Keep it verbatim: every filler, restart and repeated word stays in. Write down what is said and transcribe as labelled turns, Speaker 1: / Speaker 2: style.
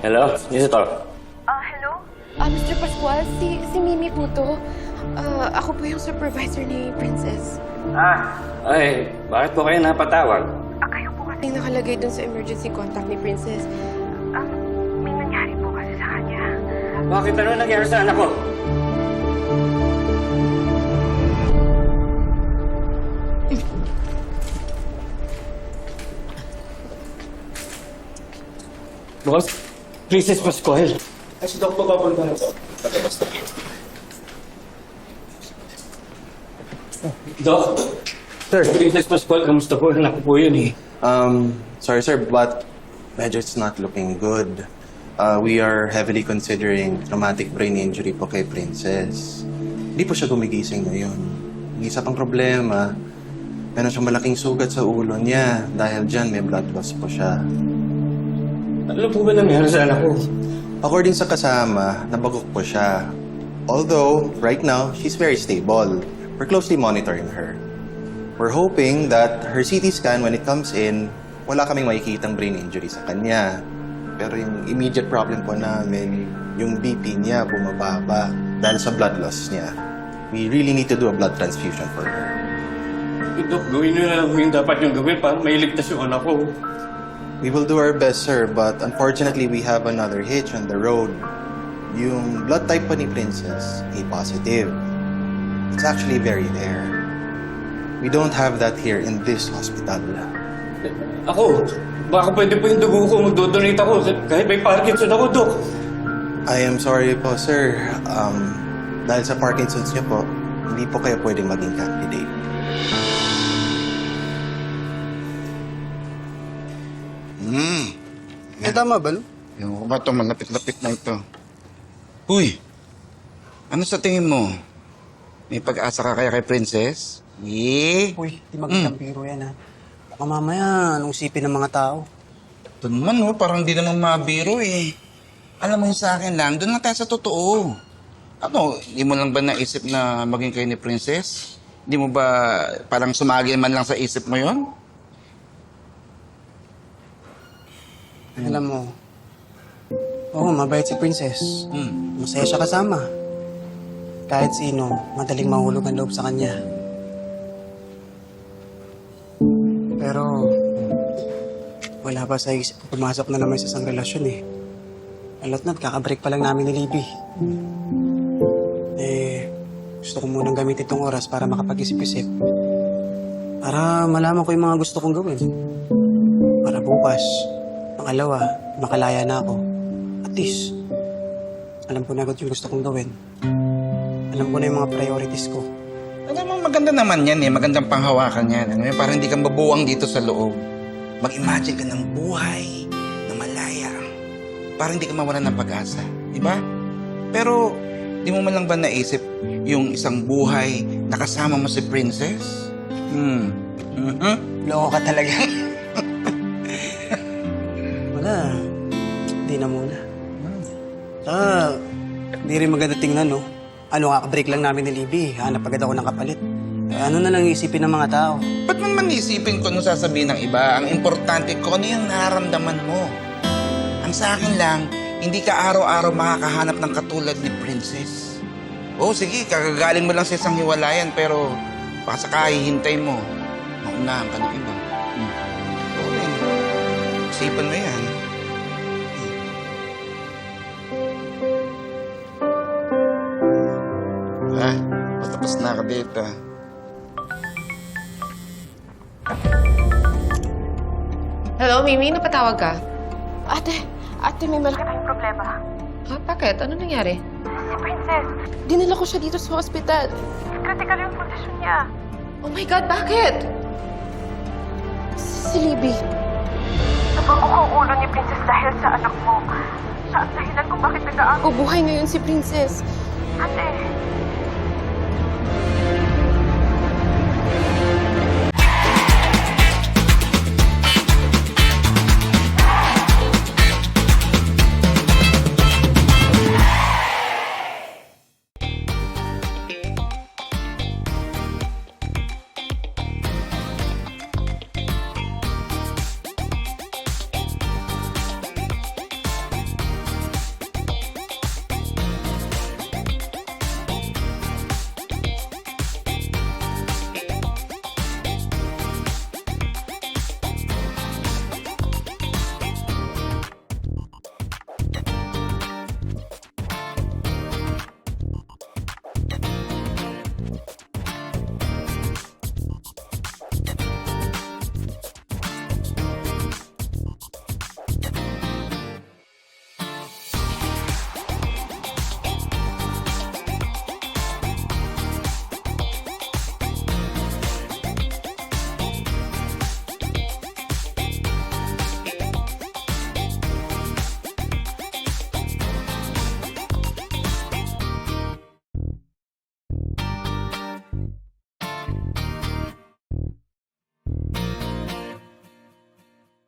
Speaker 1: Hello? Visitor?
Speaker 2: Ah, hello? Ah, mister Pascual, si, si Mimi po to. Ah, ako po yung supervisor ni Princess.
Speaker 1: Ah, ay, bakit po kayo napatawag?
Speaker 2: Ah, kayo po kasi nakalagay dun sa emergency contact ni Princess. Ah, may nangyari po kasi sa kanya.
Speaker 1: Bakit ano nangyari sa anak ko? Boss, Princess Pascual.
Speaker 3: Ay, si Doc papapunta na ito. Tatabas na.
Speaker 1: Doc, Sir, Princess Pascual, kamusta po? Anak ko po yun eh.
Speaker 4: Um, sorry sir, but medyo it's not looking good. Uh, we are heavily considering traumatic brain injury po kay Princess. Hindi po siya gumigising ngayon. Ang isa pang problema, meron siyang malaking sugat sa ulo niya. Dahil dyan, may blood loss po siya.
Speaker 1: Ano po ba nangyari sa anak ko?
Speaker 4: According sa kasama, nabagok po siya. Although, right now, she's very stable. We're closely monitoring her. We're hoping that her C T scan, when it comes in, wala kaming makikitang brain injury sa kanya. Pero yung immediate problem po namin, yung B P niya bumababa dahil sa blood loss niya. We really need to do a blood transfusion for her.
Speaker 1: Dok, gawin nyo na lang yung dapat yung gawin para mailigtas yung anak ko.
Speaker 4: We will do our best, sir, but unfortunately, we have another hitch on the road. Yung blood type po ni Princess, A positive. It's actually very rare. We don't have that here in this hospital.
Speaker 1: Ako, baka pwede po yung dugo ko, magdodonate ako kahit may Parkinson ako, Dok.
Speaker 4: I am sorry po, sir. Um, dahil sa Parkinson's niyo po, hindi po kayo pwedeng maging candidate.
Speaker 5: Hmm.
Speaker 6: Eh, tama ba, no?
Speaker 5: Yung ba ito, malapit-lapit na ito. Uy! Ano sa tingin mo? May pag-asa ka kaya kay Princess? Eh?
Speaker 6: Uy, di magandang biro yan, ha? Baka mamaya, anong sipin ng mga tao?
Speaker 5: Ito naman, oh, parang di naman mabiro eh. Alam mo yung sa akin lang, doon lang tayo sa totoo. Ano, hindi mo lang ba naisip na maging kayo ni Princess? Hindi mo ba parang sumagi man lang sa isip mo yon?
Speaker 6: Alam mo, oo, mabait si Princess.
Speaker 5: Hmm.
Speaker 6: Masaya siya kasama. Kahit sino, madaling mahulog ang loob sa kanya. Pero, wala pa sa isip ko pumasok na naman sa isang relasyon eh. Alot na, kakabreak pa lang namin ni Libby. Eh, gusto ko munang gamitin itong oras para makapag-isip-isip. Para malaman ko yung mga gusto kong gawin. Para bukas, pangalawa, makalaya na ako. At least, alam ko na agad yung gusto kong gawin. Alam ko na yung mga priorities ko.
Speaker 5: Alam mo, maganda naman yan eh. Magandang panghawakan yan. Ano yun? Parang hindi kang babuwang dito sa loob. Mag-imagine ka ng buhay na malaya. Parang hindi ka mawalan ng pag-asa. Di ba? Pero, di mo man lang ba naisip yung isang buhay na kasama mo si Princess? Hmm. Mm-hmm.
Speaker 6: Loko ka talaga. Wala. Hindi na muna. Ah, hindi rin maganda tingnan, no? Ano, kakabreak lang namin ni Libby. Hanap agad ako ng kapalit. Eh, ano na lang isipin ng mga tao?
Speaker 5: Ba't mo man isipin ko ano sasabihin ng iba? Ang importante ko, ano yung nararamdaman mo? Ang sa akin lang, hindi ka araw-araw makakahanap ng katulad ni Princess. Oo, sige, kagagaling mo lang sa isang hiwalayan, pero baka saka hihintay mo. Maunahan ka ng iba. Hmm. Oo, eh. Isipan mo yan. Ah, patapos na ka dito.
Speaker 2: Hello, Mimi? Napatawag ka? Ate, ate, may malaki tayong problema. Ha? Bakit? Ano nangyari? Si Princess. Dinala ko siya dito sa hospital. Critical yung kondisyon niya. Oh my God, bakit? Si Libby. Nabagok ang ulo ni Princess dahil sa anak mo. Siya ang dahilan kung bakit nag-aago. Buhay ngayon si Princess. Ate,